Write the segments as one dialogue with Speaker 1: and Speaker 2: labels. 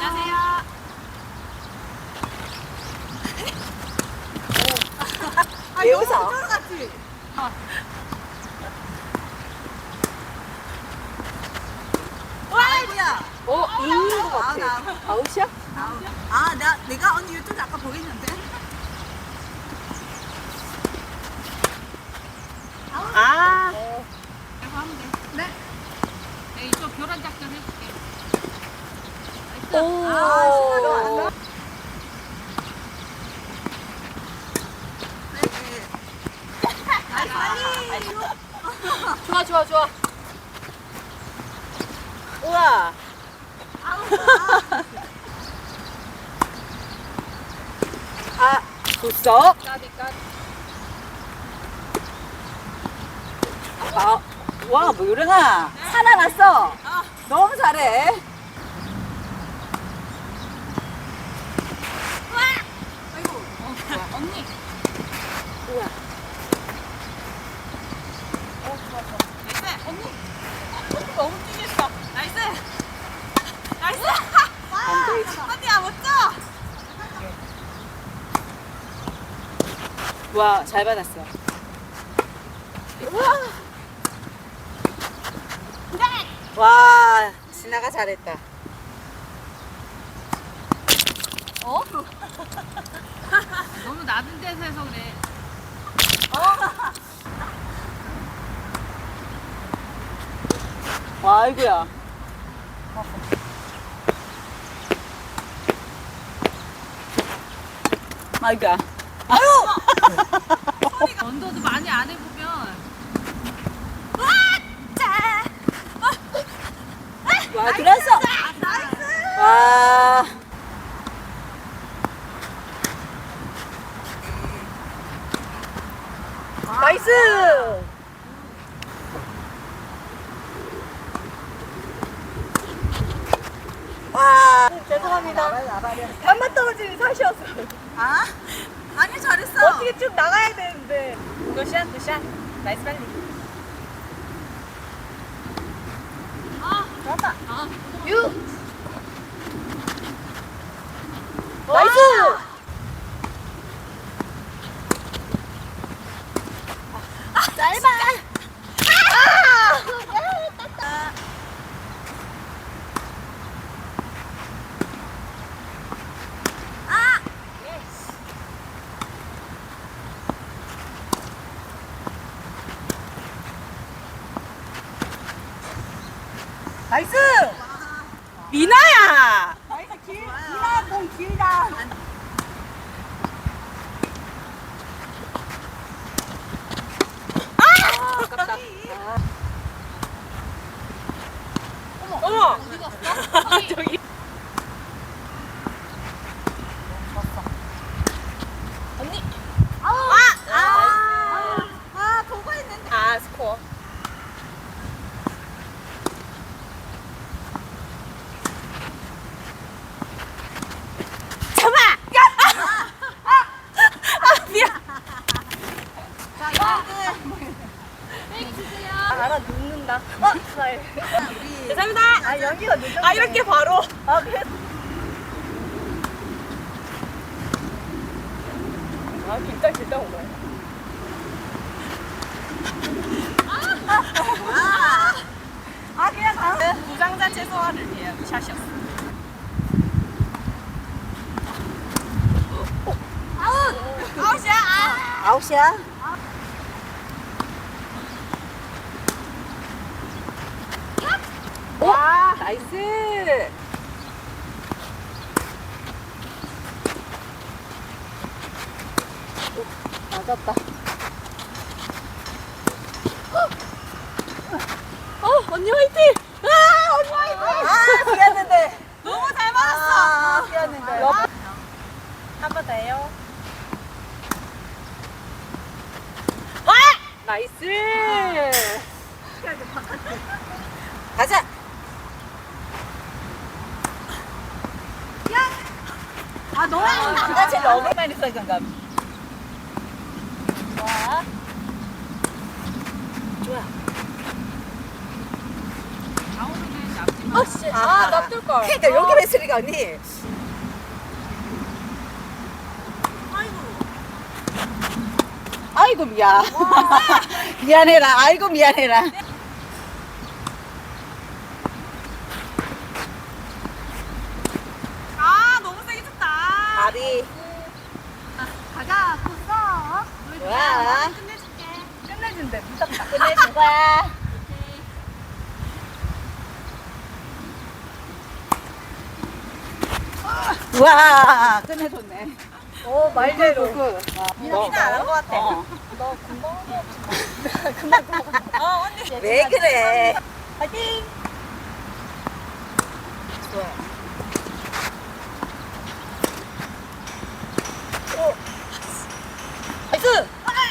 Speaker 1: 안녕하세요.
Speaker 2: 왜 웃어?
Speaker 1: 같이. 와, 뭐야?
Speaker 2: 이긴 것 같아.
Speaker 1: 나.
Speaker 2: 아웃이야?
Speaker 1: 내가 언니 유튜브 아까 보겠는데.
Speaker 2: 아,
Speaker 3: 이거 하면 돼.
Speaker 1: 네.
Speaker 3: 네, 이쪽 교란 작전 해줄게.
Speaker 2: 오.
Speaker 1: 신나다.
Speaker 2: 좋아, 좋아, 좋아. 우와. 아, 줬어?
Speaker 3: 까비 까비.
Speaker 2: 아, 와, 뭐 이러나? 살아났어. 너무 잘해.
Speaker 3: 언니.
Speaker 2: 우와.
Speaker 1: 나이스. 언니. 너무 뛰겠어. 나이스. 나이스.
Speaker 2: 안 되지.
Speaker 1: 언니야 멋져.
Speaker 2: 와, 잘 받았어. 우와. 와, 진아가 잘했다.
Speaker 3: 너무 낮은 데서 해서 그래.
Speaker 2: 와, 아이고야. 아이고야.
Speaker 3: 언더도 많이 안 해보면
Speaker 2: 와, 들었어.
Speaker 1: 나이스.
Speaker 2: 와. 나이스. 와, 죄송합니다. 반만 떨어지는 사시였어.
Speaker 1: 아? 아니 잘했어.
Speaker 2: 어떻게 쭉 나가야 되는데. 굿샷, 굿샷. 나이스 빨리. 좋았다. 유. 나이스. 짧아. 나이스. 미나야.
Speaker 1: 미나 공 길다.
Speaker 2: 아깝다. 어머.
Speaker 3: 어디 갔어?
Speaker 2: 저기. 언니.
Speaker 1: 보고 있는데.
Speaker 2: 아, 스코어. 잡아! 미안.
Speaker 1: 자, 이거는
Speaker 2: 알아, 눕는다. 스마일.
Speaker 1: 우리
Speaker 2: 감사합니다. 아, 여기가 눕는다. 아, 이렇게 바로. 아, 그래. 아, 길다 오네. 그냥 부상자 최소화를 위한 샷이었어.
Speaker 1: 아웃이야.
Speaker 2: 아웃이야? 와, 나이스. 맞았다. 언니 화이팅! 언니 화이팅! 미안한데.
Speaker 1: 너무 잘 맞았어.
Speaker 2: 미안한데. 한 번 더 해요. 나이스. 가자.
Speaker 1: 너무
Speaker 2: 나 제일 어긋나는 생각감. 좋아.
Speaker 3: 아우르는 잡지 마.
Speaker 2: 아씨. 아, 놔둘 걸.
Speaker 4: 그러니까 여기 했으니까 언니. 아이고 미안. 미안해라. 아이고 미안해라.
Speaker 1: 아 너무 세게 쳤다.
Speaker 4: 다리.
Speaker 1: 가자. 컸어.
Speaker 4: 좋아.
Speaker 1: 끝내줄게.
Speaker 2: 끝내준대. 무섭다.
Speaker 4: 끝내준 거야. 와 끝내줬네.
Speaker 2: 오, 말대로.
Speaker 4: 미나 안한 것 같아.
Speaker 2: 너 금방 하고 언니.
Speaker 4: 왜 그래?
Speaker 2: 파이팅!
Speaker 4: 좋아.
Speaker 2: 나이스!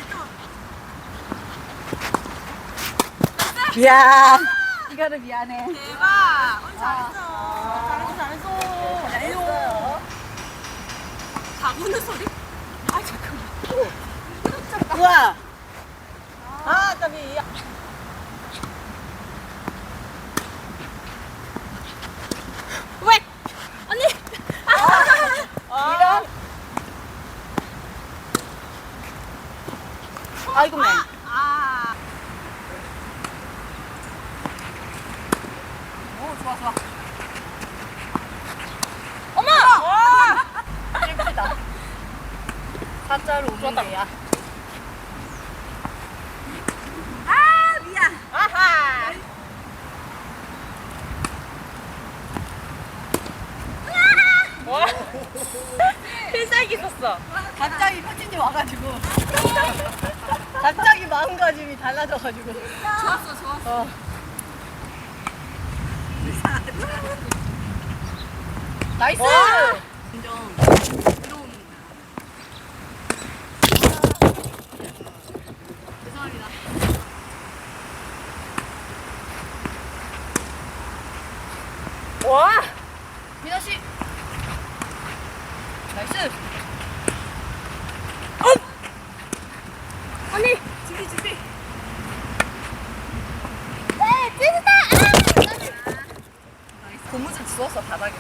Speaker 4: 미안. 이거는 미안해.
Speaker 1: 대박. 언니 잘했어. 잘했어.
Speaker 2: 잘했어요.
Speaker 1: 다 우는 소리? 아 잠깐만.
Speaker 4: 우와.
Speaker 2: 아, 까비.
Speaker 1: 왜? 언니.
Speaker 2: 이런.
Speaker 4: 아이고 맨.
Speaker 1: 아.
Speaker 2: 오, 좋아, 좋아.
Speaker 1: 어머.
Speaker 2: 와! 예쁘다. 사자로 오는데야.
Speaker 1: 아 미안.
Speaker 2: 아하! 와! 필살기 있었어.
Speaker 4: 갑자기 코치님 와가지고. 갑자기 마음가짐이 달라져가지고.
Speaker 1: 좋았어 좋았어.
Speaker 2: 나이스!
Speaker 1: 인정. 들어옵니다. 죄송합니다.
Speaker 2: 와! 민아 씨. 나이스.
Speaker 1: 언니 준비 준비.
Speaker 2: 고무줄 주웠어 바닥에서.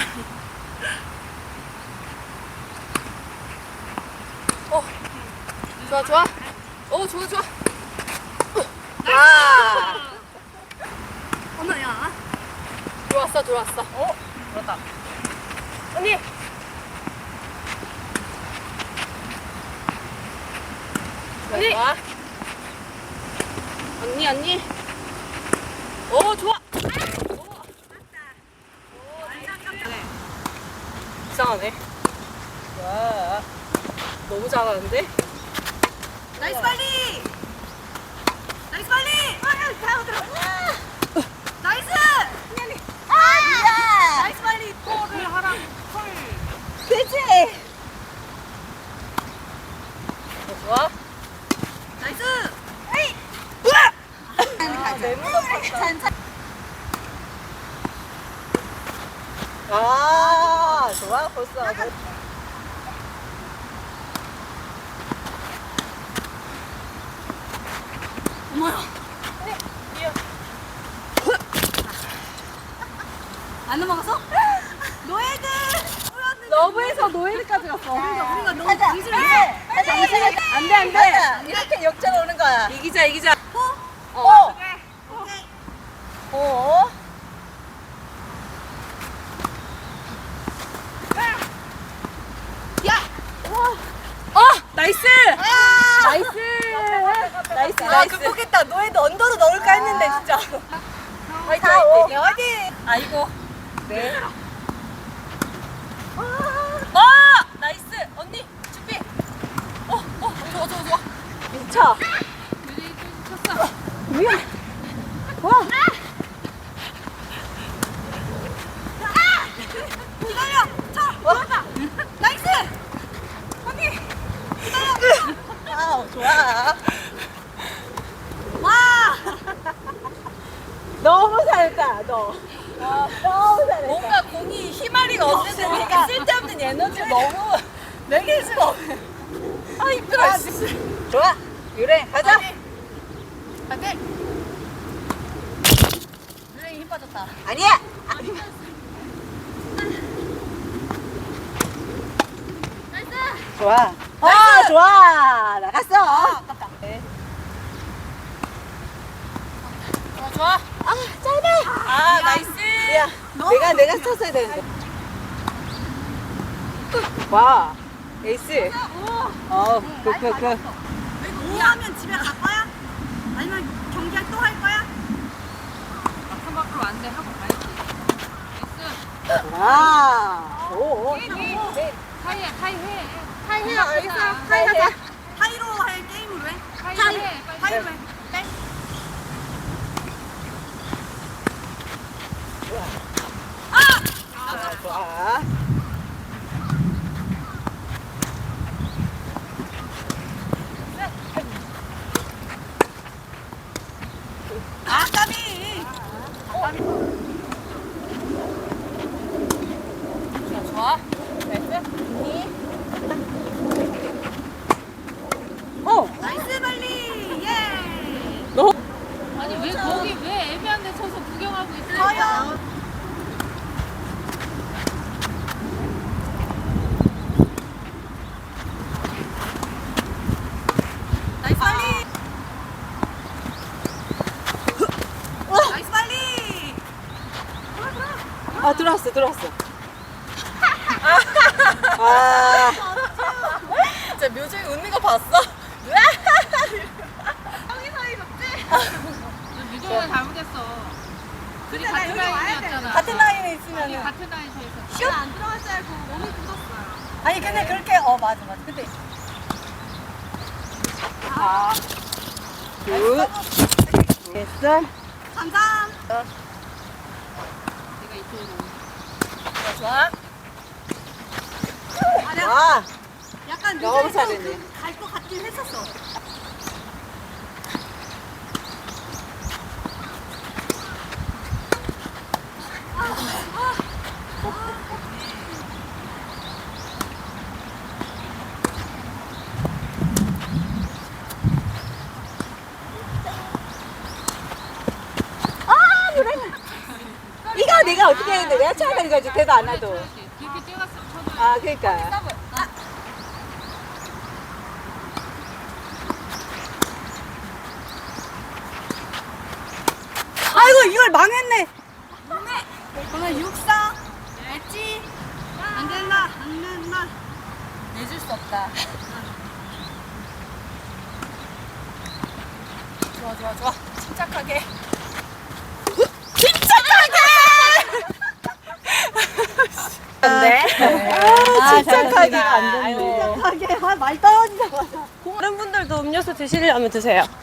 Speaker 2: 좋아 좋아. 오 좋아 좋아.
Speaker 4: 아.
Speaker 1: 어머야.
Speaker 2: 들어왔어 들어왔어. 들어왔다. 언니. 언니. 좋아. 언니 언니. 오 좋아. 이상하네. 와. 너무 잘하는데?
Speaker 1: 나이스 빨리. 나이스 빨리. 잘 들어. 나이스. 언니.
Speaker 4: 아.
Speaker 1: 나이스 빨리. 콜을 하라. 콜.
Speaker 4: 그치.
Speaker 2: 좋아.
Speaker 1: 나이스.
Speaker 4: 에이.
Speaker 2: 아, 너무 높았다.
Speaker 4: 아 좋아 벌써.
Speaker 1: 어머야. 안 넘어갔어? 노예들.
Speaker 2: 러브에서 노예까지 갔어.
Speaker 1: 우리가 너무
Speaker 4: 가자.
Speaker 1: 정신을
Speaker 4: 당신은
Speaker 2: 안돼 안돼.
Speaker 4: 가자. 이렇게 역전 오는 거야.
Speaker 2: 이기자 이기자.
Speaker 4: 어.
Speaker 1: 그래. 오케이.
Speaker 4: 어.
Speaker 2: 나이스.
Speaker 4: 나이스.
Speaker 2: 나이스
Speaker 4: 아
Speaker 2: 나이스.
Speaker 4: 극복했다. 노예도 언더로 넣을까 했는데 진짜.
Speaker 2: 화이팅
Speaker 4: 자, 오.
Speaker 2: 화이팅.
Speaker 4: 어디?
Speaker 2: 아이고.
Speaker 4: 네.
Speaker 2: 나이스. 언니 준비. 좋아 좋아 좋아.
Speaker 4: 미쳐.
Speaker 3: 유진이 또 쳤어.
Speaker 4: 미안. 와.
Speaker 1: 기다려. 자, 들어가. 나이스. 언니.
Speaker 4: 아 좋아.
Speaker 1: 와.
Speaker 4: 너무 잘했다 너. 너무 잘했다.
Speaker 2: 뭔가 공이 희마리가 없는데 왜 이렇게 쓸데없는 에너지 너무 내게 수가 없네. 아 힘들어.
Speaker 4: 아,
Speaker 2: 씨.
Speaker 4: 좋아. 유래 가자.
Speaker 2: 파이팅. 유랭이 힘
Speaker 1: 빠졌다.
Speaker 4: 아니야. 좋아. 아, 좋아. 나갔어.
Speaker 1: 아깝다.
Speaker 2: 좋아.
Speaker 4: 아, 짧아.
Speaker 2: 아, 나이스.
Speaker 4: 야, 내가 쳤어야 되는데. 와, 에이스. 그.
Speaker 1: 오하면 집에 갈 거야? 아니면 경기 또 할 거야?
Speaker 3: 막상 밖으로 안 돼. 하고 가야지. 나이스.
Speaker 4: 와, 오.
Speaker 3: 타이야, 타이 해.
Speaker 2: 타이해, 알겠어.
Speaker 3: 타이하자.
Speaker 1: 타이로 할 게임으로 해?
Speaker 3: 타이
Speaker 1: 타이.
Speaker 3: 해. 빨리.
Speaker 1: 타이로 해. 네.
Speaker 4: 좋아.
Speaker 1: 아, 까비.
Speaker 2: 좋아. 나이스.
Speaker 1: 나이스 발리. 예.
Speaker 3: 아니, 왜 거기 왜 애매한 데 서서 구경하고 있어?
Speaker 1: 가요. 나이스 발리. 나이스 발리.
Speaker 4: 아, 들어왔어. 아,
Speaker 2: 진짜 묘정이 웃는 거 봤어?
Speaker 3: 유정이가 잘못했어. 둘이 같은 라인이었잖아.
Speaker 1: 같은 라인에
Speaker 3: 아니,
Speaker 1: 있으면은.
Speaker 3: 같은 라인에서 있었어.
Speaker 1: 슛! 안 들어갈 줄 알고 몸이 굳었어요. 아니 근데 그렇게 맞아. 근데
Speaker 4: 아, 굿. 됐어.
Speaker 1: 감상.
Speaker 3: 내가 이쪽으로 오는
Speaker 2: 좋아.
Speaker 1: 아, 내가
Speaker 4: 와,
Speaker 1: 약간
Speaker 4: 너무 잘했네.
Speaker 1: 갈것 같긴 했었어.
Speaker 4: 이거 내가 어떻게 했는데 내가 쳐야 되는 거지. 대도 안 해도.
Speaker 3: 쳐야지. 그렇게 뛰어갔으면 쳐줘야지.
Speaker 4: 아, 그러니까.
Speaker 1: 아이고 이걸 망했네. 오늘 육사 엣지 안 된다.
Speaker 2: 내줄 수 없다. 좋아. 침착하게.
Speaker 4: 침착하게 안 됐네.
Speaker 1: 하게 말 떨어지자마자.
Speaker 2: 다른 분들도 음료수 드시려면 드세요.